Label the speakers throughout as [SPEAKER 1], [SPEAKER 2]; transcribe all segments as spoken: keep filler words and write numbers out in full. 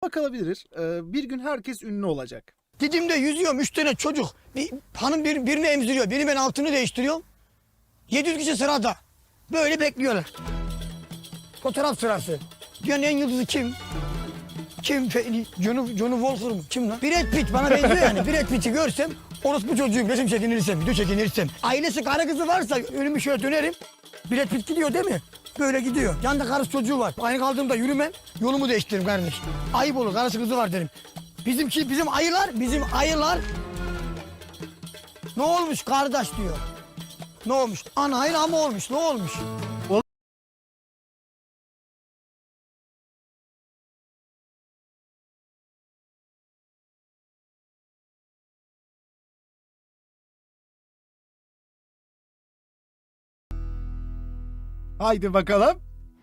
[SPEAKER 1] rahatlıkla kalabilir. Ee, bir gün herkes ünlü olacak.
[SPEAKER 2] Didim'de yüzüyorum, üç tane çocuk. Bir, hanım bir, birini emziriyor, biri ben altını değiştiriyorum. yedi yüz kişi sırada. Böyle bekliyorlar. Fotoğraf sırası. Dünyanın en yıldızı kim? Kim? Johnny, Johnny Walker mı? Kim lan? Brad Pitt bana benziyor yani. Brad Pitt'i görsem, orospu çocuğum, resim çekinirsem, video çekinirsem. Ailesi karı kızı varsa önümü şöyle dönerim. Brad Pitt gidiyor değil mi? Böyle gidiyor. Yanında karısı çocuğu var. Aynı kaldığımda yürümem, yolumu değiştiririm kardeş. Ayıp olur, karısı kızı var derim. Bizimki, bizim ayılar, bizim ayılar. Ne olmuş kardeş diyor. Ne olmuş? Ana hayır ama olmuş, ne olmuş?
[SPEAKER 1] Haydi bakalım.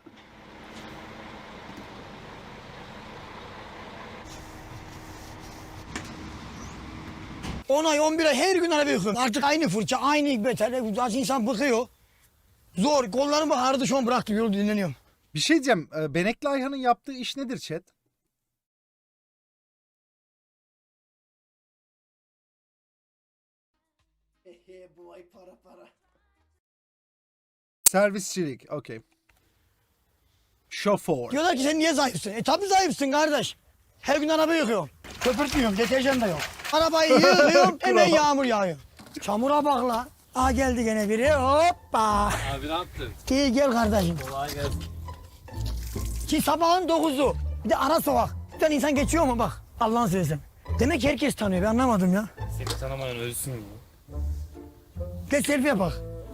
[SPEAKER 2] on ay, on bir ay her gün araba yıkıyorum. Artık aynı fırça, aynı beter. Artık insan bıkıyor. Zor. Kollarımı ağrıdı şu an bıraktım. Yolu dinleniyorum.
[SPEAKER 1] Bir şey diyeceğim. Ee, Benekli Ayhan'ın yaptığı iş nedir chat?
[SPEAKER 2] Bu ay para para.
[SPEAKER 1] Servisçilik. Okey. Şoför.
[SPEAKER 2] Diyorlar ki sen niye zayıfsın? E tabii zayıfsın kardeş. Her gün araba yıkıyorum. Köpürtmüyorum, deterjan da yok. Arabayı yıkıyorum, hemen yağmur yağıyor. Çamura bak la. Aa geldi gene biri. Hoppa.
[SPEAKER 3] Abi ne yaptın?
[SPEAKER 2] İyi gel kardeşim.
[SPEAKER 3] Kolay gelsin.
[SPEAKER 2] Ki sabahın dokuzu. Bir de ara sokak. Bir tane insan geçiyor mu bak. Allah'ını seversen. Demek ki herkes tanıyor. Ben anlamadım ya.
[SPEAKER 3] Seni tanımayan ölsün mü?
[SPEAKER 2] Gel selfie yapak.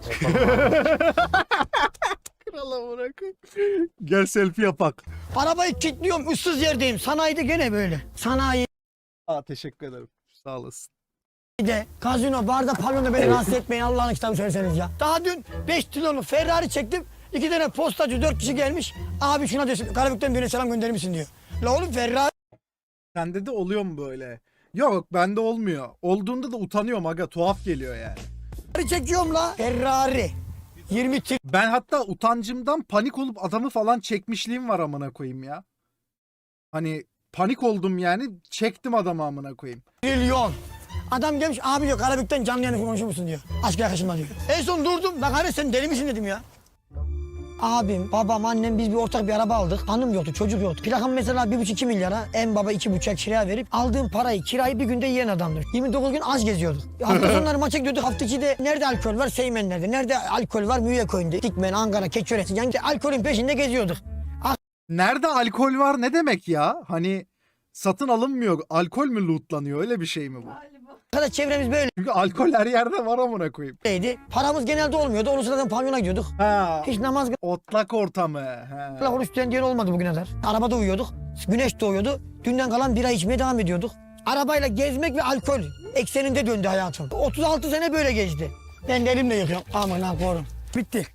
[SPEAKER 1] Krala bırakın. Gel selfie yapak.
[SPEAKER 2] Arabayı kilitliyorum. Issız yerdeyim. Sanayide gene böyle. Sanayi.
[SPEAKER 1] Aa, teşekkür ederim. Sağ olasın.
[SPEAKER 2] de gazino, barda, pavyonda beni rahatsız etmeyin Allah'ın kitabı söyleseniz ya. Daha dün beş kilolu Ferrari çektim. İki tane postacı dört kişi gelmiş. Abi şuna desin Karabük'ten birine selam gönderir misin diyor. La oğlum Ferrari
[SPEAKER 1] Sende de oluyor mu böyle? Yok bende olmuyor. Olduğunda da utanıyorum aga. Tuhaf geliyor yani.
[SPEAKER 2] çekiyorum la. Ferrari. yirmi
[SPEAKER 1] Ben hatta utancımdan panik olup adamı falan çekmişliğim var amına koyayım ya. Hani panik oldum yani çektim adamı amına koyayım.
[SPEAKER 2] trilyon. Adam gelmiş abi diyor Karabük'ten canlı yayını konuşur musun diyor. Aşk arkadaşımla diyor. En son durdum. Bak hani sen deli misin dedim ya. Abim, babam, annem biz bir ortak bir araba aldık. Hanım yoktu, çocuk yoktu. Plakam mesela bir buçuk iki milyara. En baba iki buçuk kiraya verip aldığım parayı, kirayı bir günde yiyen adamdır. yirmi dokuz gün az geziyorduk. Hafta sonları maça gidiyorduk. Hafta içi de nerede alkol var? Seymenler'de. Nerede alkol var? Müyeköy'ünde. Dikmen, Ankara, Keçiören. Yani alkolün peşinde geziyorduk.
[SPEAKER 1] Nerede alkol var ne demek ya? Hani satın alınmıyor. Alkol mü lootlanıyor? Öyle bir şey mi bu?
[SPEAKER 2] Arkadaş çevremiz böyleydi.
[SPEAKER 1] Çünkü alkol her yerde var amına koyayım.
[SPEAKER 2] Paramız genelde olmuyordu. Onun sırasında pavyona gidiyorduk.
[SPEAKER 1] Ha.
[SPEAKER 2] Hiç namaz
[SPEAKER 1] Otlak ortamı. Ha.
[SPEAKER 2] kıla oruç tutan diyen olmadı bugüne kadar. Arabada uyuyorduk. Güneş doğuyordu. Dünden kalan bira içmeye devam ediyorduk. Arabayla gezmek ve alkol ekseninde döndü hayatım. otuz altı sene böyle geçti. Ben de elimle yıkıyorum. Aman ha korum. Bitti.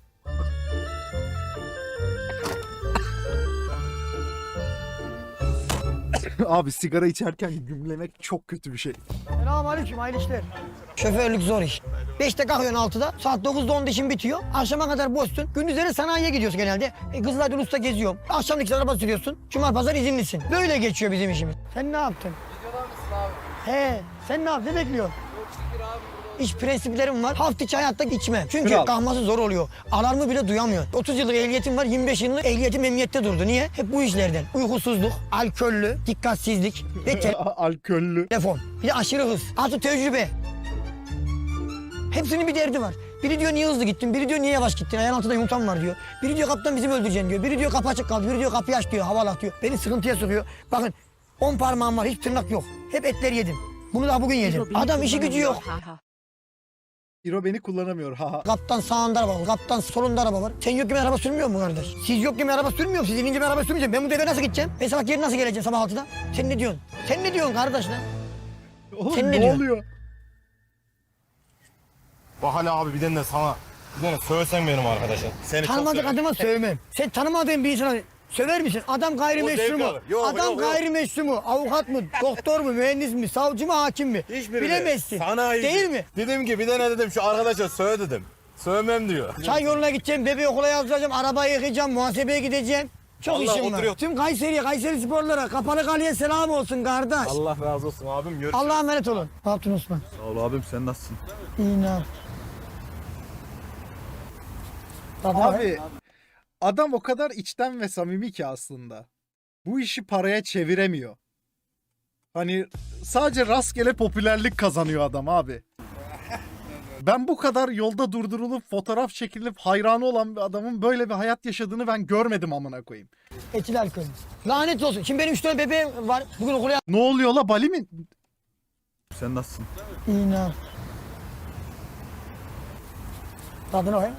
[SPEAKER 1] Abi sigara içerken gümlemek çok kötü bir şey.
[SPEAKER 2] Selamünaleyküm hayırlı işler. Şoförlük zor iş. Beşte kalkıyorsun altıda, saat dokuzda onda işin bitiyor. Akşama kadar boşsun. Gündüzleri sanayiye gidiyorsun genelde. E, Kızılay'da Ulus'ta geziyorum. Akşam ikisi araba sürüyorsun. Cuma pazar izinlisin. Böyle geçiyor bizim işimiz. Sen ne yaptın?
[SPEAKER 3] Videolar mısın abi?
[SPEAKER 2] He, sen ne yaptın? Ne bekliyorsun?
[SPEAKER 3] Çok şükür abi burada.
[SPEAKER 2] İş prensiplerim var. Hafta içi hayatta içmem. Çünkü
[SPEAKER 1] Kral.
[SPEAKER 2] kalkması zor oluyor. Alarmı bile duyamıyor. otuz yıllık ehliyetim var. yirmi beş yıllık ehliyetim emniyette durdu. Niye? Hep bu işlerden. Uykusuzluk, alkollü, dikkatsizlik ve
[SPEAKER 1] Alkollü.
[SPEAKER 2] telefon. Bir de aşırı hız. Artı tecrübe. Hepsinin bir derdi var. Biri diyor niye hızlı gittin, biri diyor niye yavaş gittin, ayağın altında yumurtam var diyor. Biri diyor kaptan bizim öldüreceksin diyor. Biri diyor kapı açık kaldı, biri diyor kapıyı aç diyor, havalat diyor. Beni sıkıntıya sokuyor. Bakın on parmağım var, hiç tırnak yok. Hep etler yedim. Bunu daha bugün yedim. Adam işi gücü yok.
[SPEAKER 1] İro beni kullanamıyor. Ha.
[SPEAKER 2] Kaptan sağında araba var, kaptan solunda araba var. Sen yokken araba sürmüyor mu kardeş? Siz yokken araba sürmüyor mu? Siz inince ben araba sürmeyeceğim. Ben bu devre nasıl gideceğim? Ben sabah geri nasıl geleceğim sabah altıda? Sen ne diyorsun? Sen ne diyorsun kardeş lan?
[SPEAKER 1] Oğlum
[SPEAKER 2] Sen ne
[SPEAKER 1] ne
[SPEAKER 2] diyorsun?
[SPEAKER 1] oluyor?
[SPEAKER 4] Bak hala abi bir tane de sana bir tane söylesen benim arkadaşa. Seni çok
[SPEAKER 2] Tanımadık
[SPEAKER 4] severim.
[SPEAKER 2] adama sövmem. Sen tanımadığın bir insana söver misin? Adam gayrimeşru
[SPEAKER 4] O zevk
[SPEAKER 2] mu?
[SPEAKER 4] alır. Yok,
[SPEAKER 2] Adam
[SPEAKER 4] yok, yok.
[SPEAKER 2] gayrimeşru mu? Avukat mı? Doktor mu? Mühendis mi? Savcı mı? Hakim mi?
[SPEAKER 4] Hiçbiri
[SPEAKER 2] Bilemezsin.
[SPEAKER 4] Sana iyi.
[SPEAKER 2] Değil mi?
[SPEAKER 4] Dedim ki bir tane dedim şu arkadaşa söyle dedim. Sövmem diyor.
[SPEAKER 2] Çay yoluna gideceğim, bebeği okula yazdıracağım, arabayı yıkayacağım, muhasebeye gideceğim. Çok
[SPEAKER 4] Vallahi
[SPEAKER 2] işim var.
[SPEAKER 4] oturuyor.
[SPEAKER 2] Tüm Kayseri'ye, Kayseri sporlara, Kapalı Kale'ye selam olsun kardeş.
[SPEAKER 4] Allah razı olsun abim. Görüşürüz.
[SPEAKER 2] Allah'a emanet olun. Ne yaptın Osman?
[SPEAKER 4] Sağ ol abim, sen nasılsın?
[SPEAKER 2] İyi ne yap?
[SPEAKER 1] Abi adam o kadar içten ve samimi ki aslında. Bu işi paraya çeviremiyor. Hani sadece rastgele popülerlik kazanıyor adam abi. Ben bu kadar yolda durdurulup fotoğraf çekilip hayranı olan bir adamın böyle bir hayat yaşadığını ben görmedim amına koyayım.
[SPEAKER 2] Etil alkol. Lanet olsun. Şimdi benim üç tane bebeğim var. Bugün okula
[SPEAKER 1] Ne oluyor la, Bali mi?
[SPEAKER 4] Sen nasılsın?
[SPEAKER 2] İyi ne yap? Tadına bak.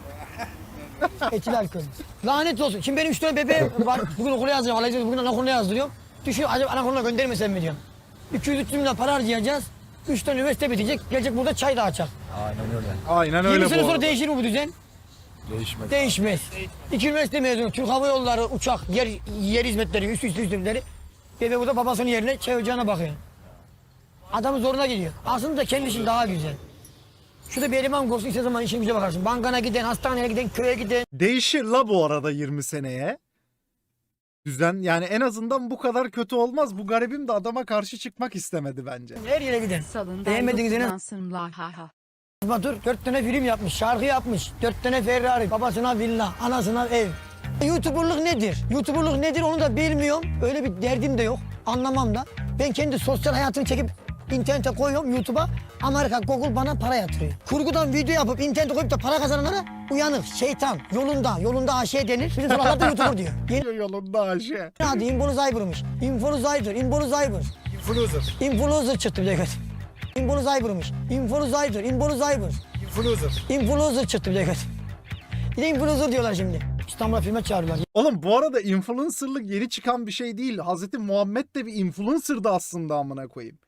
[SPEAKER 2] Etil alkol. Lanet olsun. Şimdi benim üç tane bebeğim var. Bugün okula yazdırıyorum. Vallahi bugün anaokuluna yazdırıyorum. Düşünüyorum acaba anaokuluna göndermesem mi diyorum. iki yüz üç yüz milyon para harcayacağız. üç tane üniversite bitecek. Gelecek burada çay dağıtacak.
[SPEAKER 4] Aynen öyle.
[SPEAKER 1] Aynen öyle
[SPEAKER 2] yirmi
[SPEAKER 1] bu
[SPEAKER 2] sene sonra
[SPEAKER 1] arada.
[SPEAKER 2] değişir mi bu düzen?
[SPEAKER 4] Değişmez.
[SPEAKER 2] Değişmez. İki üniversite mezunu, Türk Hava Yolları, uçak, yer, yer hizmetleri, üst üste hizmetleri. Bebe burada babasının yerine çay ocağına bakıyor. Adamın zoruna gidiyor. Aslında kendi işin daha güzel. Şurada bir eleman olsun, istediğin zaman işin güce bakarsın. Bankana giden, hastaneye giden, köye giden.
[SPEAKER 1] Değişir la bu arada yirmi seneye. Düzen yani en azından bu kadar kötü olmaz. Bu garibim de adama karşı çıkmak istemedi bence.
[SPEAKER 2] Her yere giden.
[SPEAKER 5] Salın
[SPEAKER 2] Beğenmediğiniz yine
[SPEAKER 5] ha ha.
[SPEAKER 2] Batur dört tane film yapmış, şarkı yapmış. Dört tane Ferrari, babasına villa, anasına ev. YouTuber'lık nedir? YouTuber'lık nedir onu da bilmiyorum. Öyle bir derdim de yok. Anlamam da. Ben kendi sosyal hayatımı çekip internete koyuyorum YouTube'a. Amerika, Google bana para yatırıyor. Kurgudan video yapıp internete koyup da para kazananlara uyanık, şeytan, yolunda, yolunda aşağı denir. Bizim salaklar da YouTuber diyor. Yeni
[SPEAKER 1] Yolunda aşı.
[SPEAKER 2] adı Influencer'mış. Influencer, Influencer.
[SPEAKER 4] Influencer.
[SPEAKER 2] Influencer çıktı bir de göt. Influencer'mış. Influencer, Influencer.
[SPEAKER 4] Influencer.
[SPEAKER 2] Influencer çıktı bir de göt. Bir de influencer diyorlar şimdi. İstanbul'a filme çağırıyorlar.
[SPEAKER 1] Oğlum bu arada influencerlık yeni çıkan bir şey değil. Hazreti Muhammed de bir influencer'dı aslında amına koyayım.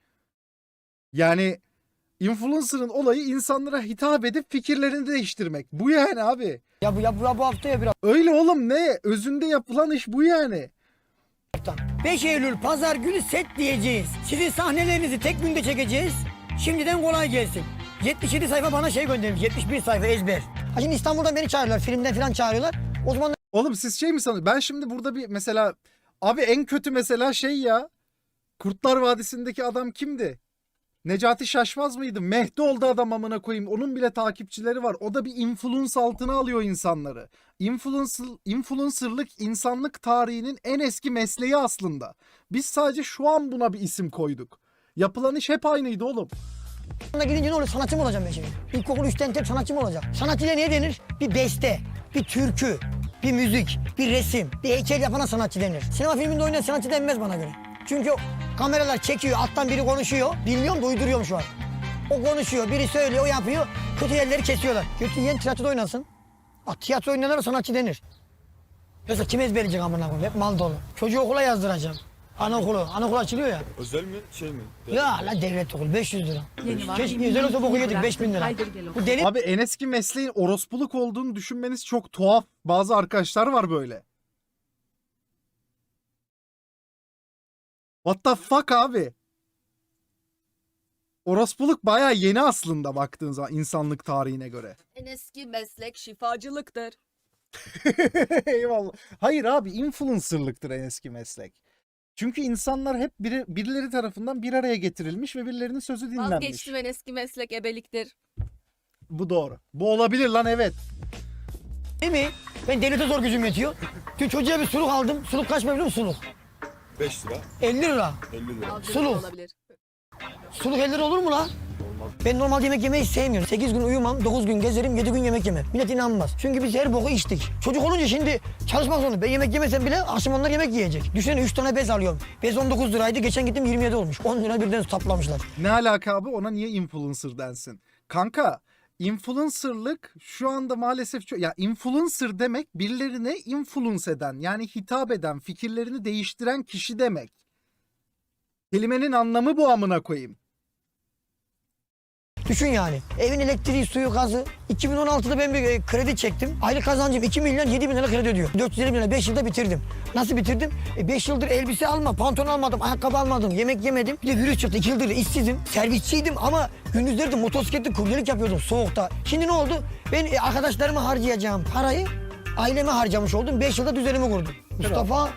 [SPEAKER 1] Yani influencer'ın olayı insanlara hitap edip fikirlerini değiştirmek. Bu yani abi.
[SPEAKER 2] Ya bu ya bu, ya bu hafta ya bir
[SPEAKER 1] Öyle oğlum ne? Özünde yapılan iş bu yani.
[SPEAKER 2] hafta. beş Eylül pazar günü set diyeceğiz. Sizin sahnelerinizi tek günde çekeceğiz. Şimdiden kolay gelsin. yetmiş yedi sayfa bana şey göndermiş. yetmiş bir sayfa ezber. Ha şimdi İstanbul'dan beni çağırıyorlar. Filmden falan çağırıyorlar. O zaman
[SPEAKER 1] Oğlum siz şey mi sanıyorsunuz? Ben şimdi burada bir mesela abi en kötü mesela şey ya. Kurtlar Vadisi'ndeki adam kimdi? Necati Şaşmaz mıydı? Mehdi oldu adam amına koyayım. Onun bile takipçileri var. O da bir influence altına alıyor insanları. Influencer, influencerlık insanlık tarihinin en eski mesleği aslında. Biz sadece şu an buna bir isim koyduk. Yapılan iş hep aynıydı oğlum.
[SPEAKER 2] da gidince ne oluyor? Sanatçı mı olacağım ben şimdi? İlkokul üçten tek sanatçı mı olacağım? Sanatçıya ne denir? Bir beste, bir türkü, bir müzik, bir resim, bir heykel yapana sanatçı denir. Sinema filminde oynayan sanatçı denmez bana göre. Çünkü kameralar çekiyor, alttan biri konuşuyor. Bilmiyorum da uyduruyorum şu an. O konuşuyor, biri söylüyor, o yapıyor. Kötü yerleri kesiyorlar. Kötü yiyen tiyatroda oynasın. Bak tiyatro oynayanlara sanatçı denir. Yoksa kim ezberleyecek amına koyayım? Hep mal dolu. Çocuğu okula yazdıracağım. Anaokulu. Anaokul açılıyor ya.
[SPEAKER 4] Özel mi şey mi?
[SPEAKER 2] Ya la devlet okulu beş yüz lira.
[SPEAKER 5] Yeni var.
[SPEAKER 2] Keşke özel olsa boku yedik beş bin lira.
[SPEAKER 5] Haydır gel
[SPEAKER 2] Bu deli
[SPEAKER 1] Abi en eski mesleğin orospuluk olduğunu düşünmeniz çok tuhaf. Bazı arkadaşlar var böyle. What the fuck abi? Orospuluk bayağı yeni aslında baktığın zaman insanlık tarihine göre.
[SPEAKER 6] En eski meslek şifacılıktır.
[SPEAKER 1] Eyvallah. Hayır abi influencerlıktır en eski meslek. Çünkü insanlar hep biri, birileri tarafından bir araya getirilmiş ve birilerinin sözü dinlenmiş.
[SPEAKER 6] Vazgeçtim, en eski meslek ebeliktir.
[SPEAKER 1] Bu doğru. Bu olabilir lan, evet.
[SPEAKER 2] değil mi? Ben devlete zor gücüm yetiyor. Dün çocuğa bir suluk aldım. Suluk kaç biliyor musun suluk?
[SPEAKER 4] beş lira.
[SPEAKER 2] elli lira.
[SPEAKER 4] elli lira.
[SPEAKER 6] Aldığınız
[SPEAKER 2] Suluk.
[SPEAKER 6] olabilir.
[SPEAKER 2] Suluk elli lira olur mu la? Ben normalde yemek yemeyi sevmiyorum. sekiz gün uyumam, dokuz gün gezerim, yedi gün yemek yemem. Millet inanmaz. Çünkü biz her boku içtik. Çocuk olunca şimdi çalışmak zorunda. Ben yemek yemesem bile akşam onlar yemek yiyecek. Düşünsene üç tane bez alıyorum. Bez on dokuz liraydı. Geçen gittim yirmi yedi olmuş. on lira birden taplamışlar.
[SPEAKER 1] Ne alaka abi? Ona niye influencer densin? Kanka, influencerlık şu anda maalesef çok... Ya influencer demek birilerine influence eden, yani hitap eden, fikirlerini değiştiren kişi demek. Kelimenin anlamı bu amına koyayım.
[SPEAKER 2] Düşün yani. Evin elektriği, suyu, gazı. iki bin on altıda ben bir e, kredi çektim. Aylık kazancım iki milyon yedi bin lira kredi ödüyor. dört yüz elli bin lira beş yılda bitirdim. Nasıl bitirdim? E, beş yıldır elbise alma, pantolon almadım, ayakkabı almadım, yemek yemedim. Bir de virüs çıktı. iki yıldır işsizim. Servisçiydim ama gündüzleri de motosikletli kuryelik yapıyordum soğukta. Şimdi ne oldu? Ben e, arkadaşlarıma harcayacağım parayı aileme harcamış oldum. beş yılda düzenimi kurdum. Mustafa.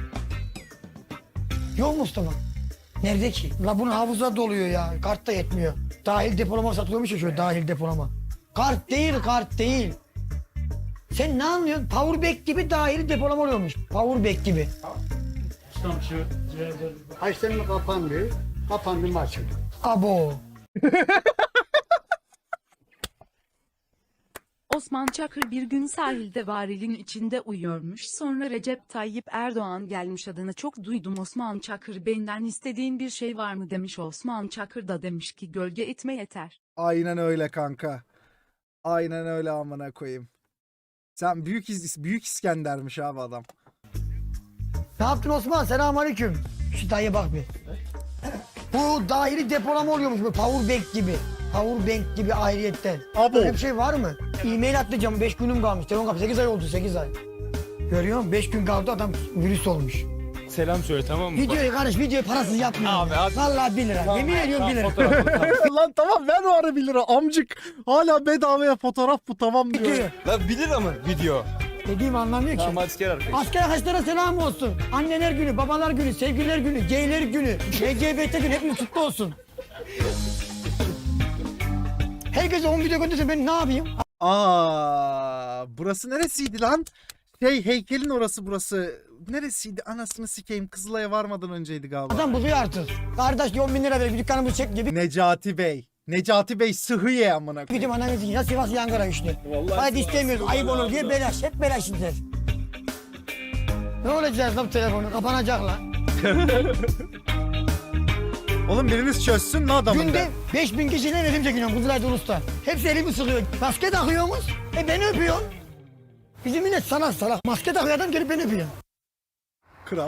[SPEAKER 2] Yok Mustafa. Nerede ki? La bunun hafıza doluyor ya. Kart da yetmiyor. Dahil depolama satılıyormuş ya şöyle dahil depolama. Kart değil, kart değil. Sen ne anlıyorsun? Powerbank gibi dahil depolama oluyormuş. Powerbank gibi.
[SPEAKER 5] Açtın mı kapandı, kapandı mı açıldı.
[SPEAKER 2] Abo.
[SPEAKER 7] Osman Çakır bir gün sahilde varilin içinde uyuyormuş. Sonra Recep Tayyip Erdoğan gelmiş, adını çok duydum Osman Çakır, benden istediğin bir şey var mı demiş. Osman Çakır da demiş ki gölge etme yeter.
[SPEAKER 1] Aynen öyle kanka. Aynen öyle amına koyayım. Sen büyük İs- büyük İskender'miş abi adam.
[SPEAKER 2] Ne yaptın Osman? Selamünaleyküm. Şu dayıya bak bir. Bu dahili depolama oluyormuş bu powerbank gibi. Powerbank gibi ayrıyetten.
[SPEAKER 1] Abo.
[SPEAKER 2] Böyle bir şey var mı? E-mail atlayacağım. beş günüm kalmış. Telefon kapı sekiz ay oldu, sekiz ay. Görüyor musun? beş gün kaldı, adam virüs olmuş.
[SPEAKER 3] Selam söyle tamam mı?
[SPEAKER 2] Videoyu kardeş, videoyu parasız yapmıyorum.
[SPEAKER 3] Abi, abi.
[SPEAKER 2] Vallahi bir lira. Yemin ediyorum bir lira.
[SPEAKER 1] Lan tamam ver o ara bir lira amcık. Hala bedavaya fotoğraf bu tamam diyor.
[SPEAKER 2] Videoyu.
[SPEAKER 3] Lan bir lira mı video?
[SPEAKER 2] Dediğimi anlamıyor ki.
[SPEAKER 3] Tamam hadi gel arkadaş.
[SPEAKER 2] Asker arkadaşlara selam olsun. Anneler günü, babalar günü, sevgililer günü, geyler günü, L G B T günü hepimiz kutlu olsun. Herkese on video gönderse ben ne yapayım?
[SPEAKER 1] Aa, burası neresiydi lan? Şey heykelin orası burası. Neresiydi? Anasını sikeyim. Kızılay'a varmadan önceydi galiba.
[SPEAKER 2] Adam buluyor artık. Kardeş on bin lira ver, bir dükkanımızı çek gibi.
[SPEAKER 1] Necati Bey. Necati Bey sıhhiye amına koyayım.
[SPEAKER 2] Gidip ananı sikeyim. Ya Sivas ya Ankara işte. Hadi istemiyoruz, ayıp olur diye belaş. Hep belaş işler. Ne olacak lan bu telefonu? Kapanacak lan.
[SPEAKER 1] Oğlum biriniz çözsün lan adamın
[SPEAKER 2] Günde
[SPEAKER 1] da.
[SPEAKER 2] beş bin kişiyle resim çekiyorum Kızılay'da Ulus'ta. Hepsi elimi sıkıyor. Maske takıyorsunuz. E beni öpüyorsun. Bizim millet salak salak. Maske takıyor adam, gelip beni öpüyor.
[SPEAKER 1] Kral.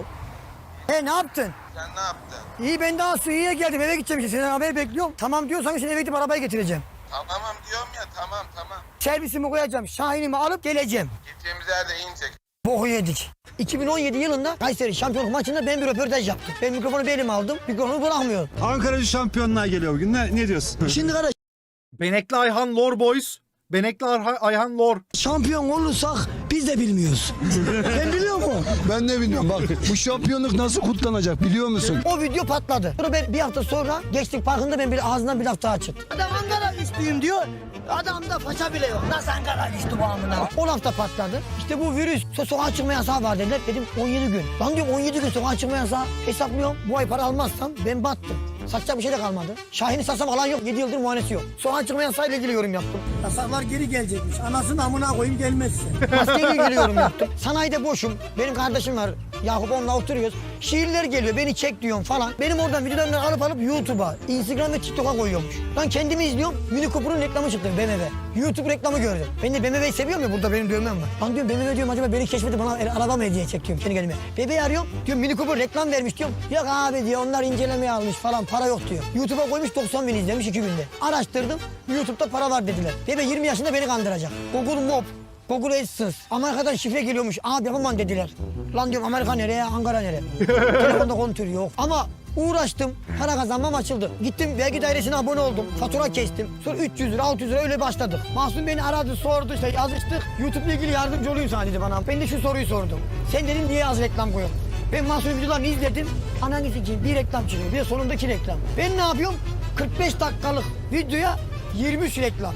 [SPEAKER 2] E ne yaptın?
[SPEAKER 8] Sen ne yaptın?
[SPEAKER 2] İyi, ben daha Suriye'ye geldim, eve gideceğim işte, senden haber bekliyorum. Tamam diyorsan şimdi eve gidip arabayı getireceğim.
[SPEAKER 8] Tamam diyorum ya tamam tamam.
[SPEAKER 2] Servisimi koyacağım, Şahin'imi alıp geleceğim.
[SPEAKER 8] Gideceğimiz yerde inecek.
[SPEAKER 2] Boku yedik. iki bin on yedi yılında Kayseri şampiyonluk maçında ben bir röportaj yaptım. Ben mikrofonu bir elime aldım, mikrofonu bırakmıyorum.
[SPEAKER 9] Ankara'cı şampiyonluğa geliyor bugün. Ne, ne diyorsun?
[SPEAKER 2] Şimdi kardeş,
[SPEAKER 1] Benekli Ayhan Lor Boys. Benekli Arha- Ayhan Lor.
[SPEAKER 2] şampiyon olursak biz de bilmiyoruz. Sen biliyor musun?
[SPEAKER 9] Ben ne bilmiyorum. Bak bu şampiyonluk nasıl kutlanacak biliyor musun?
[SPEAKER 2] O video patladı. Sonra ben bir hafta sonra Gençlik Parkı'nda ben bir ağzından bir laf daha çıktı. Adam Ankara güçlüyüm diyor. Adamda faça bile yok. Nasıl Ankara güçlü bu amına? O laf da patladı. İşte bu virüs, so sokağa çıkma yasağı var dediler. Dedim on yedi gün. Lan diyorum on yedi gün sokağa çıkma yasağı. Hesaplıyorum. Bu ay para almazsam ben battım. Satacak bir şey de kalmadı. Şahin'i satsam alan yok. yedi yıldır muayenesi yok. Sokağa çıkma yasağıyla ilgili yorum yaptım.
[SPEAKER 5] Yasaklar geri gelecekmiş. Anasını amına koyayım gelmezse.
[SPEAKER 2] Maskeyle ilgili yorum yaptım. Sanayide boşum. Benim kardeşim var. Yakup, onunla oturuyoruz. Şiirler geliyor. Beni çek diyorum falan. Benim oradan videolarını alıp alıp YouTube'a, Instagram ve TikTok'a koyuyormuş. Ben kendimi izliyorum. Mini Cooper'ın reklamı çıktı B M W. YouTube reklamı gördüm. Ben de B M W'yi seviyorum ya, burada benim dövmem var. Lan diyorum B M W diyorum, acaba beni keşfedip bana el- araba mı hediye çekiyorum kendi kendime. Bebeği arıyorum. Diyorum Mini Cooper reklam vermiş diyorum. Yok abi diyor, onlar incelemeye almış falan, para yok diyor. YouTube'a koymuş, doksan bin izlemiş iki günde. Araştırdım. YouTube'da para var dediler. Bebe yirmi yaşında beni kandıracak. Google Mob, Google AdSense. Amerika'dan şifre geliyormuş. Abi yapamam dediler. Lan diyorum Amerika nereye, Ankara nereye? Telefonda kontür yok. Ama uğraştım. Para kazanmam açıldı. Gittim vergi dairesine abone oldum. Fatura kestim. Sonra üç yüz lira, altı yüz lira öyle başladık. Mahsun beni aradı, sordu, işte yazıştık. YouTube'la ilgili yardımcı olayım sana dedi bana. Ben de şu soruyu sordum. Sen dedim niye az reklam koyuyorsun? Ben Mahsun'un videolarını izledim. Ananı sikeyim, bir reklam çıkıyor. Bir de sonundaki reklam. Ben ne yapıyorum? kırk beş dakikalık videoya yirmi üç reklam.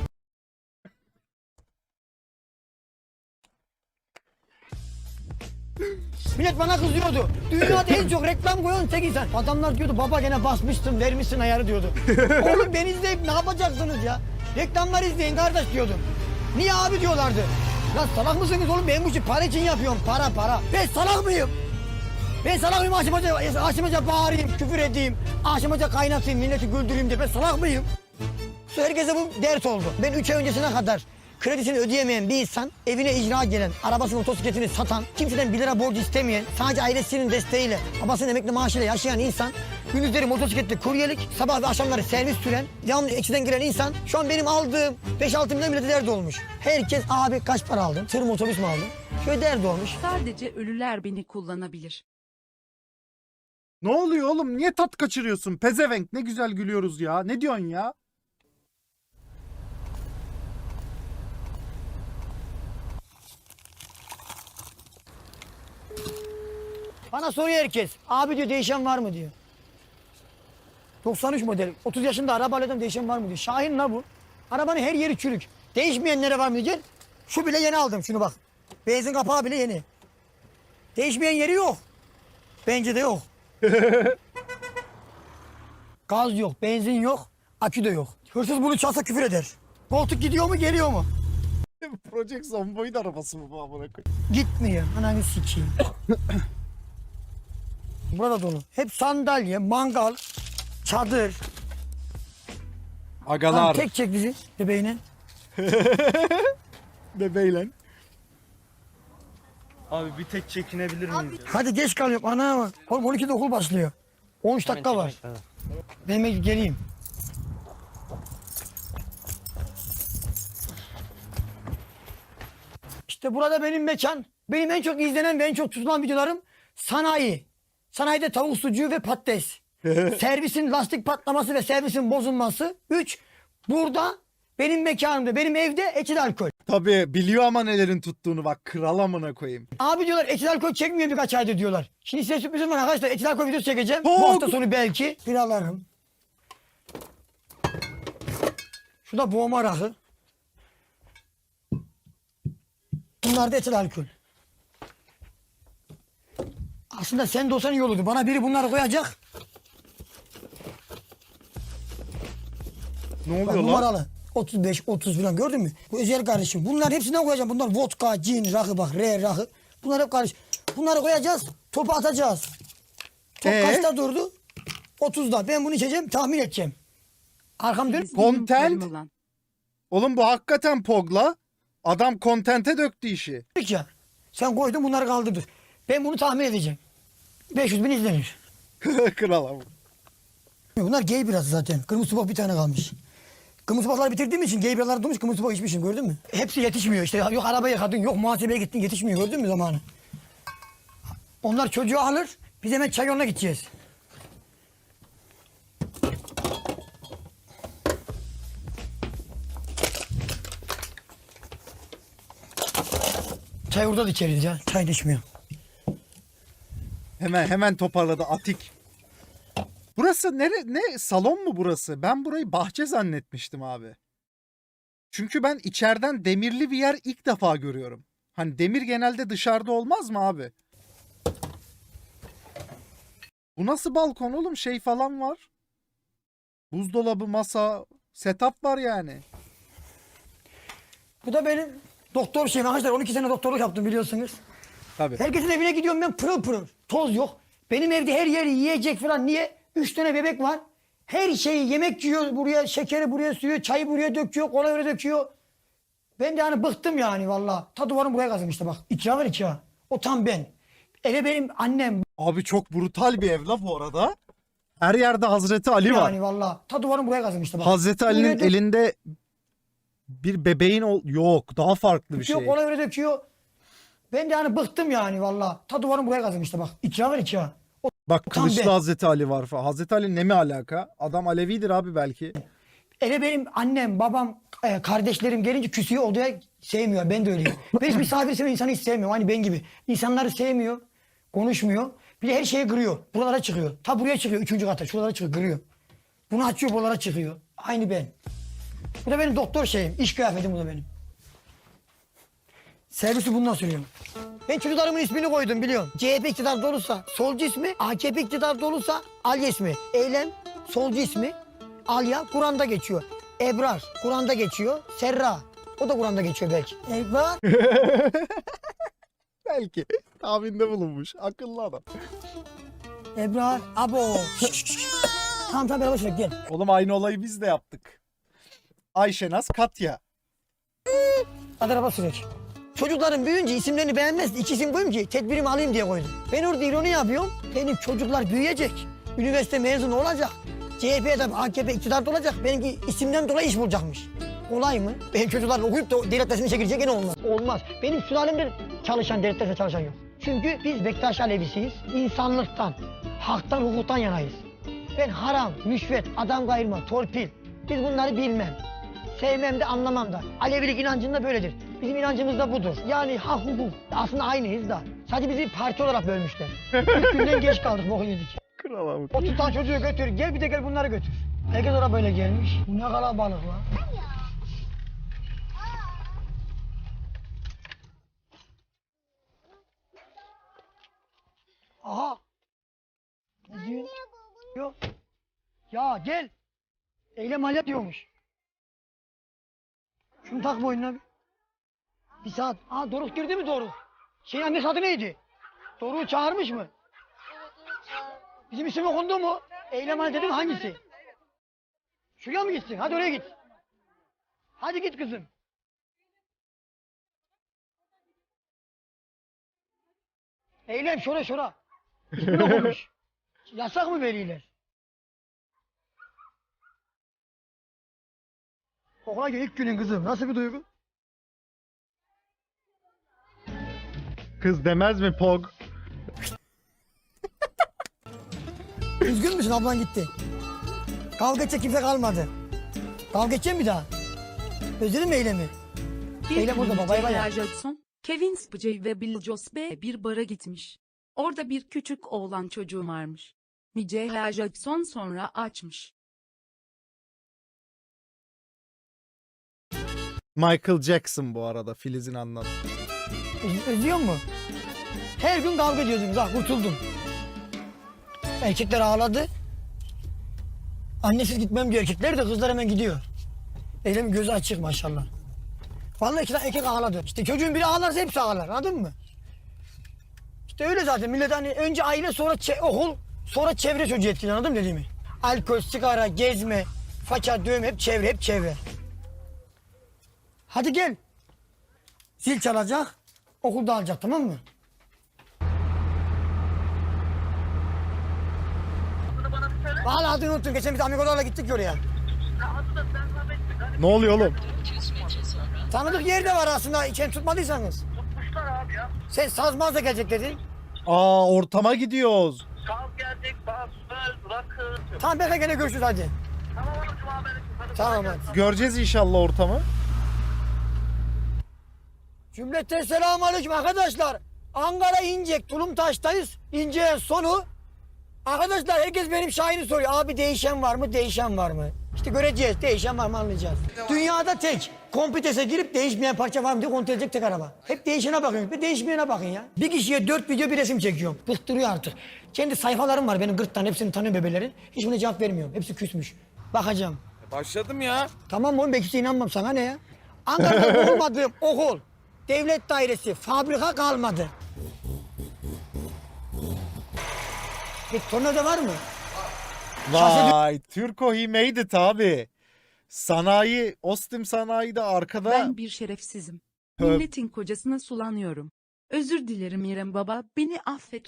[SPEAKER 2] Millet bana kızıyordu. Dünyada en çok reklam koyan tek insan. Adamlar diyordu baba gene basmışsın, vermişsin ayarı diyordu. Oğlum beni izleyip ne yapacaksınız ya? Reklamlar izleyin kardeş diyordum. Niye abi diyorlardı. Lan salak mısınız oğlum, ben bu işi para için yapıyorum, para para. Ben salak mıyım? Ben salak mıyım, aşamaca, aşamaca bağırayım, küfür edeyim, aşamaca kaynatayım, milleti güldüreyim diye ben salak mıyım? Herkese bu dert oldu. Ben üç ay öncesine kadar kredisini ödeyemeyen bir insan, evine icra gelen, arabasını, motosikletini satan, kimseden bir lira borcu istemeyen, sadece ailesinin desteğiyle, babasının emekli maaşıyla yaşayan insan, gündüzleri motosikletle kuryelik, sabah ve akşamları servis süren, devamlı eksiden giren insan, şu an benim aldığım beş altı milyon bile derdi olmuş. Herkes abi kaç para aldın, tır mı otobüs mü aldın? Şöyle derdi olmuş.
[SPEAKER 7] Sadece ölüler beni kullanabilir.
[SPEAKER 1] Ne oluyor oğlum? Niye tat kaçırıyorsun? Pezevenk ne güzel gülüyoruz ya. Ne diyorsun ya?
[SPEAKER 2] Bana soruyor herkes. Abi diyor değişen var mı diyor. doksan üç model. otuz yaşında araba alıyordum, değişen var mı diyor. Şahin la bu. Arabanın her yeri çürük. Değişmeyenlere var mı diyeceksin. Şu bile yeni aldım, şunu bak. Benzin kapağı bile yeni. Değişmeyen yeri yok. Bence de yok. Gaz yok, benzin yok, akü de yok. Hırsız bunu çalsa küfür eder. Koltuk gidiyor mu, geliyor mu?
[SPEAKER 1] Project Zomboid arabası mı bu amına koyayım?
[SPEAKER 2] Gitmiyor. Ananı sikeyim. Burada dolu. Hep sandalye, mangal, çadır.
[SPEAKER 1] Agalar.
[SPEAKER 2] Tamam, tek çek bizi bebeğine.
[SPEAKER 1] Bebeyle.
[SPEAKER 3] Abi bir tek çekinebilir miyiz? ya?
[SPEAKER 2] Hadi geç kalıyorum. Ana bak. Oğlum on ikide okul başlıyor. on üç dakika var. Ben geleyim. İşte burada benim mekan. Benim en çok izlenen ve en çok tutulan videolarım sanayi. Sanayide tavuk sucuğu ve patates. Servisin lastik patlaması ve servisin bozulması. Üç, burada benim mekanımda, benim evde etil alkol.
[SPEAKER 1] Tabii biliyor ama nelerin tuttuğunu bak. Kral amına koyayım.
[SPEAKER 2] Abi diyorlar etil alkol çekmiyor birkaç aydır diyorlar. Şimdi size sürprizim var arkadaşlar. Etil alkol videosu çekeceğim.
[SPEAKER 1] Çok.
[SPEAKER 2] Bu hafta sonu belki. Biralarım. Şurada boğma rakı. Bunlar da etil alkol. Aslında sen de olsan iyi olurdu. Bana biri bunları koyacak.
[SPEAKER 1] Ne
[SPEAKER 2] Bak
[SPEAKER 1] oluyor lan?
[SPEAKER 2] numaralı. otuz beş otuz falan gördün mü? Bu özel kardeşim. Bunların hepsinden koyacağım. Bunlar vodka, cin, rakı bak. R rakı. Bunlar hep karış. Bunları koyacağız. Topu atacağız. Top
[SPEAKER 1] Ee?
[SPEAKER 2] kaçta durdu? otuzda. Ben bunu içeceğim. Tahmin edeceğim. Arkam dön.
[SPEAKER 1] Content.
[SPEAKER 7] Olan.
[SPEAKER 1] Oğlum bu hakikaten Pog'la. Adam kontente döktü işi.
[SPEAKER 2] Ya. Sen koydun bunları kaldırdın. Ben bunu tahmin edeceğim. beş yüz bin izlenir.
[SPEAKER 1] Kral ama.
[SPEAKER 2] Bunlar gay biraz zaten. Kırmızı bak bir tane kalmış. Kırmızı bakları bitirdiğim için gay biralar durmuş, kırmızı bak içmişim gördün mü? Hepsi yetişmiyor işte. Yok arabaya yıkadın, yok muhasebeye gittin yetişmiyor gördün mü zamanı? Onlar çocuğu alır, biz hemen çay yoluna gideceğiz. Çay orada da içeriz ya, çay da içmiyor.
[SPEAKER 1] Hemen hemen toparladı Atik. Burası nere ne salon mu burası? Ben burayı bahçe zannetmiştim abi. Çünkü ben içeriden demirli bir yer ilk defa görüyorum. Hani demir genelde dışarıda olmaz mı abi? Bu nasıl balkon oğlum? Şey falan var. Buzdolabı, masa, setup var yani.
[SPEAKER 2] Bu da benim doktor şeyim arkadaşlar, on iki sene doktorluk yaptım biliyorsunuz.
[SPEAKER 1] Tabii.
[SPEAKER 2] Herkesin evine gidiyorum ben pırıl pırıl. Toz yok. Benim evde her yeri yiyecek falan. Niye? Üç tane bebek var. Her şeyi yemek yiyor buraya, şekeri buraya sürüyor, çayı buraya döküyor, kola buraya döküyor. Ben de hani bıktım yani valla. Ta duvarım buraya kazım işte bak. İkra var ikra. O tam ben. Eve benim annem
[SPEAKER 1] Abi çok brutal bir ev la bu arada. Her yerde Hazreti Ali var.
[SPEAKER 2] yani valla. Ta duvarım buraya kazım işte bak.
[SPEAKER 1] Hazreti Ali'nin
[SPEAKER 2] Buraya dök-
[SPEAKER 1] elinde bir bebeğin ol yok daha farklı bir
[SPEAKER 2] döküyor,
[SPEAKER 1] şey.
[SPEAKER 2] kola buraya döküyor. Ben de hani bıktım yani valla. Ta duvarım buraya kazım işte bak. İkra var ikra.
[SPEAKER 1] Bak
[SPEAKER 2] tam
[SPEAKER 1] kılıçlı
[SPEAKER 2] ben.
[SPEAKER 1] Hazreti Ali var falan. Hazreti Ali ne mi alaka? Adam Alevidir abi belki.
[SPEAKER 2] Eve benim annem, babam, e, kardeşlerim gelince küsüyor odaya sevmiyor. Ben de öyleyim. Ben hiç misafir seven insanı hiç sevmiyorum. Hani ben gibi. İnsanları sevmiyor, konuşmuyor. Bir de her şeyi kırıyor. Buralara çıkıyor. Ta buraya çıkıyor. Üçüncü kata. Şuralara çıkıyor. Kırıyor. Bunu açıyor buralara çıkıyor. Aynı ben. Bu da benim doktor şeyim. İş kıyafetim bu da benim. Servisi bundan sürüyorum. Ben çocuklarımın ismini koydum biliyorum. C H P iktidarda olursa solcu ismi, A K P iktidarda olursa Alya ismi. Eylem solcu ismi. Alya Kur'an'da geçiyor. Ebrar Kur'an'da geçiyor. Serra o da Kur'an'da geçiyor belki. Ebrar
[SPEAKER 1] Belki. Tahminde bulunmuş. Akıllı adam.
[SPEAKER 2] Ebrar abo. Tamam tamam beraber şöyle gel.
[SPEAKER 1] Oğlum aynı olayı biz de yaptık. Ayşenaz Katya.
[SPEAKER 2] Hadi araba sürek. Çocuklarım büyüyünce isimlerini beğenmez. İki isim koyayım ki tedbirimi alayım diye koydum. Ben orada ironi yapıyorum. Benim çocuklar büyüyecek. Üniversite mezunu olacak. C H P'de A K P iktidarda olacak. Benimki isimden dolayı iş bulacakmış. Kolay mı? Benim çocuklar okuyup da devlet dersini çekilecek gene olmaz. Olmaz. Benim sülalemde çalışan, devlet dersinde çalışan yok. Çünkü biz Bektaş Alevisiyiz. İnsanlıktan, haktan, hukuktan yanayız. Ben haram, rüşvet, adam kayırma, torpil. Biz bunları bilmem. Sevmem de anlamam da. Alevilik inancında böyledir. Bizim inancımız da budur. Yani hak hukuk. Aslında aynıyız da. Sadece bizi parti olarak bölmüşler. İlk günden geç kaldık, boku yedik.
[SPEAKER 1] Kral
[SPEAKER 2] otuz tane çocuğu götür, gel bir de gel bunları götür. Herkes oraya böyle gelmiş. Bu ne kalabalık lan. Aha. Ne diyor? Yok. Ya gel. Eylem alet diyormuş. Şunu tak boynuna bir. Bir saat. Aa Doruk girdi mi Doruk? Şeyin annesi adı neydi? Doruk'u çağırmış mı? Bizim isim okundu mu? Eylem alet dedim hangisi? Şuraya mı gitsin? Hadi oraya git. Hadi git kızım. Eylem şura şura. İsmini okumuş. Yasak mı veliler? Okula gel ilk günün kızım. Nasıl bir duygu?
[SPEAKER 1] Kız demez mi Pog?
[SPEAKER 2] Üzgün müsün ablan gitti? Kavga edecek kimse kalmadı. Kavga edecek mi bir daha? Özledin mi Eylem'i?
[SPEAKER 7] Bir
[SPEAKER 2] Eylem
[SPEAKER 7] gün
[SPEAKER 2] orada baba, bay bay.
[SPEAKER 7] Michaela Jackson, Kevin Spacey ve Bill Cosby bir bara gitmiş. Orada bir küçük oğlan çocuğu varmış. Michaela Jackson sonra açmış.
[SPEAKER 1] Michael Jackson bu arada Filiz'in anlattı.
[SPEAKER 2] Öz- Özlüyor mu? Her gün kavga ediyordunuz. Ah kurtuldum. Erkekler ağladı. Annesiz gitmem diyor erkekler de kızlar hemen gidiyor. Eylem gözü açık maşallah. Vallahi iki tane erkek ağladı. İşte çocuğun biri ağlarsa hepsi ağlar, anladın mı? İşte öyle zaten millet hani önce aile sonra çe- okul sonra çevre çocuğu etkili, anladın mı dediğimi? Alkol, sigara, gezme, faça, dövme hep çevre hep çevre. Hadi gel. Zil çalacak, okulda alacak, tamam mı? Vallahi adını unuttum. Geçen biz amigolarla gittik ya oraya.
[SPEAKER 1] Ne oluyor oğlum?
[SPEAKER 2] Tanıdık yer de var aslında. İçen tutmadıysanız. Tutmuşlar abi ya. Sen sazmaz da gelecek dedin.
[SPEAKER 1] Aa ortama gidiyoruz.
[SPEAKER 3] Saz gelecek, bas, söz, rakı.
[SPEAKER 2] Tamam bekle gene görüşürüz hadi.
[SPEAKER 3] Tamam oğlum cuma benim. Hadi
[SPEAKER 2] Tamam hadi.
[SPEAKER 1] Göreceğiz inşallah ortamı.
[SPEAKER 2] Cümleten selamünaleyküm arkadaşlar. Ankara İncek, Tulumtaş'tayız. İncek'in sonu. Arkadaşlar herkes benim Şahin'i soruyor. Abi değişen var mı, değişen var mı? İşte göreceğiz. Değişen var mı anlayacağız. Dünyada tek. Kompitese girip değişmeyen parça var mı diye kontrol edecek tek araba. Hep değişene bakın. Bir değişmeyene bakın ya. Bir kişiye dört video bir resim çekiyorum. Bıktırıyor artık. Kendi sayfalarım var benim gırttan. Hepsini tanıyor bebelerin. Hiç buna cevap vermiyorum. Hepsi küsmüş. Bakacağım.
[SPEAKER 4] Başladım ya.
[SPEAKER 2] Tamam oğlum belki inanmam sana ne ya? Ankara'da olmadığım okul, devlet dairesi, fabrika kalmadı. Bir tornavida var mı?
[SPEAKER 1] Vay Türko he made it abi. Sanayi, Ostim sanayide arkada.
[SPEAKER 7] Ben bir şerefsizim.
[SPEAKER 1] Tövbe.
[SPEAKER 7] Milletin kocasına sulanıyorum. Özür dilerim İrem baba, beni affet.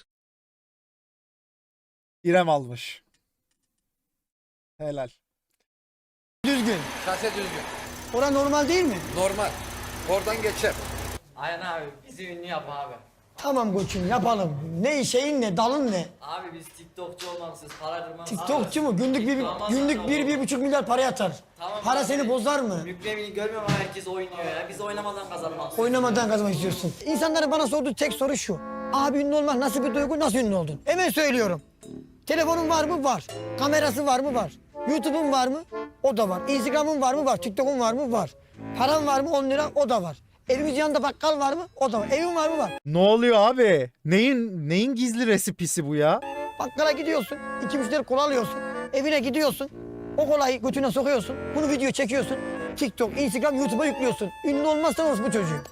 [SPEAKER 1] İrem almış. Helal.
[SPEAKER 2] Düzgün.
[SPEAKER 10] Kase düzgün.
[SPEAKER 2] Ora normal değil mi?
[SPEAKER 10] Normal. Oradan geçer. Aynen abi. Bizi ünlü yap abi.
[SPEAKER 2] Tamam koçum yapalım. Ne şeyin ne, dalın ne?
[SPEAKER 10] Abi biz TikTokçu olmalısınız. Para kırmamız.
[SPEAKER 2] TikTokçu mu? Günlük bir, günlük bir, bir buçuk milyar para yatar.
[SPEAKER 10] Tamam,
[SPEAKER 2] Para
[SPEAKER 10] abi.
[SPEAKER 2] seni bozar mı?
[SPEAKER 10] Mükremini görmüyorum ama herkes oynuyor ya. Biz oynamadan kazanmak.
[SPEAKER 2] Oynamadan kazanmak istiyorsun. İnsanların bana sorduğu tek soru şu. Abi ünlü olmak nasıl bir duygu, nasıl ünlü oldun? Hemen söylüyorum. Telefonun var mı? Var. Kamerası var mı? Var. YouTube'un var mı? O da var. Instagram'ın var mı? Var. TikTok'un var mı? Var. Paran var mı? on lira. O da var. Evimiz yanında bakkal var mı? O da var. Evin var mı? Var.
[SPEAKER 1] Ne oluyor abi? Neyin neyin gizli resipisi bu ya?
[SPEAKER 2] Bakkala gidiyorsun. iki müşteri kola alıyorsun. Evine gidiyorsun. O kolayı götüne sokuyorsun. Bunu video çekiyorsun. TikTok, Instagram, YouTube'a yüklüyorsun. Ünlü olmazsan olsun bu çocuğu.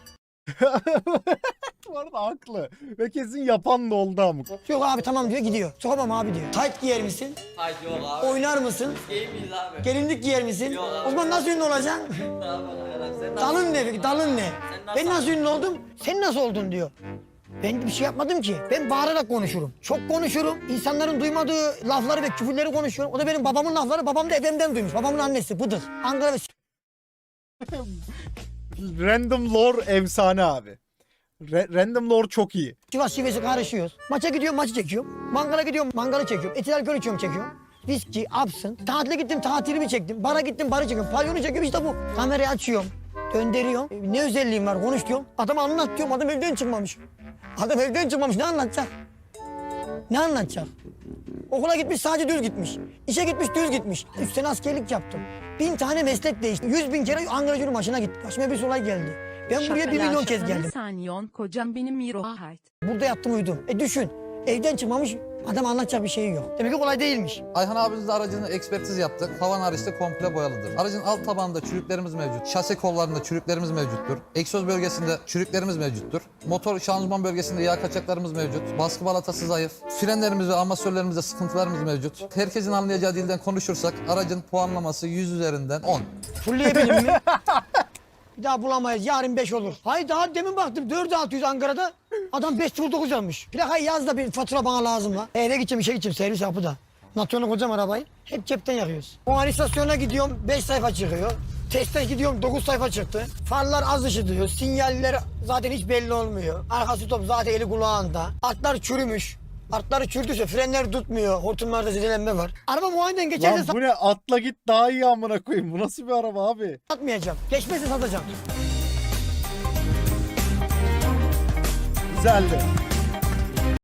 [SPEAKER 1] Bu arada haklı. Ve kesin yapan da oldu amık.
[SPEAKER 2] Yok abi tamam diyor gidiyor. Sokamam abi diyor. Tight giyer misin?
[SPEAKER 10] Haydi yok abi.
[SPEAKER 2] Oynar mısın?
[SPEAKER 10] Game miyiz abi?
[SPEAKER 2] Gelinlik giyer misin?
[SPEAKER 10] Yok abi.
[SPEAKER 2] O zaman nasıl ünlü olacaksın?
[SPEAKER 10] Ne yapalım ya? Sen
[SPEAKER 2] Dalın ne peki? Dalın ne?
[SPEAKER 10] nasıl-
[SPEAKER 2] Ben nasıl ünlü oldum? Sen nasıl oldun diyor. Ben bir şey yapmadım ki. Ben bağırarak konuşurum. Çok konuşurum. İnsanların duymadığı lafları ve küfürleri konuşuyorum. O da benim babamın lafları. Babam da efemden duymuş. Babamın annesi Bıdır. Ankara ve
[SPEAKER 1] Random lore efsane abi. Re- random lore çok iyi.
[SPEAKER 2] Sivas şivesi karışıyoruz. Maça gidiyorum maçı çekiyorum. Mangala gidiyorum mangalı çekiyorum. Etil alkol içiyorum çekiyorum. Viski, absın. Tatile gittim tatilimi çektim. Bara gittim barı çekiyorum. Pavyonu çekiyorum işte bu. Kamerayı açıyorum. Döndürüyorum. E, Ne özelliğim var konuş diyorum. Adama anlat diyorum. Adam evden çıkmamış. Adam evden çıkmamış ne anlatacak? Ne anlatacak? Okula gitmiş sadece düz gitmiş. İşe gitmiş düz gitmiş. Üç sene askerlik yaptım. Bin tane meslek değişti. Yüz bin kere Ankara Gücü maçına gittim. Başıma bir olay geldi. Ben buraya bir milyon kez geldim.
[SPEAKER 7] Sanyon kocam benim Miro Ahait.
[SPEAKER 2] Burada yattım uyudum. E düşün. Evden çıkmamış adam anlatacak bir şeyi yok. Demek ki kolay değilmiş.
[SPEAKER 10] Ayhan abimizle aracını ekspertiz yaptık. Tavan hariçte komple boyalıdır. Aracın alt tabanında çürüklerimiz mevcut. Şase kollarında çürüklerimiz mevcuttur. Egzoz bölgesinde çürüklerimiz mevcuttur. Motor şanzıman bölgesinde yağ kaçaklarımız mevcut. Baskı balatası zayıf. Frenlerimiz ve amasörlerimizde sıkıntılarımız mevcut. Herkesin anlayacağı dilden konuşursak aracın puanlaması yüz üzerinden on.
[SPEAKER 2] Fulleyebilir mi? Bir daha bulamayız. Yarın beş olur. Hayır daha demin baktım dört altı yüz Ankara'da. Adam beş sıfır dokuz yazmış. Plakayı yaz da bir fatura bana lazım la. Eve gideceğim işe gideceğim servis yapı da. Natyonu kocam arabayı. Hep cepten yakıyoruz. O an istasyona gidiyorum beş sayfa çıkıyor. Testte gidiyorum dokuz sayfa çıktı. Farlar az ışıtıyor. Sinyaller zaten hiç belli olmuyor. Arkası top zaten eli kulağında. Atlar çürümüş. Atları çürüdüyse frenler tutmuyor. Hortumlarda zedelenme var. Araba muayeneden geçerse
[SPEAKER 1] Lan bu ne? Atla git daha iyi amına koyayım. Bu nasıl bir araba abi?
[SPEAKER 2] satmayacağım. Geçmezse satacağım.
[SPEAKER 1] Güzeldi.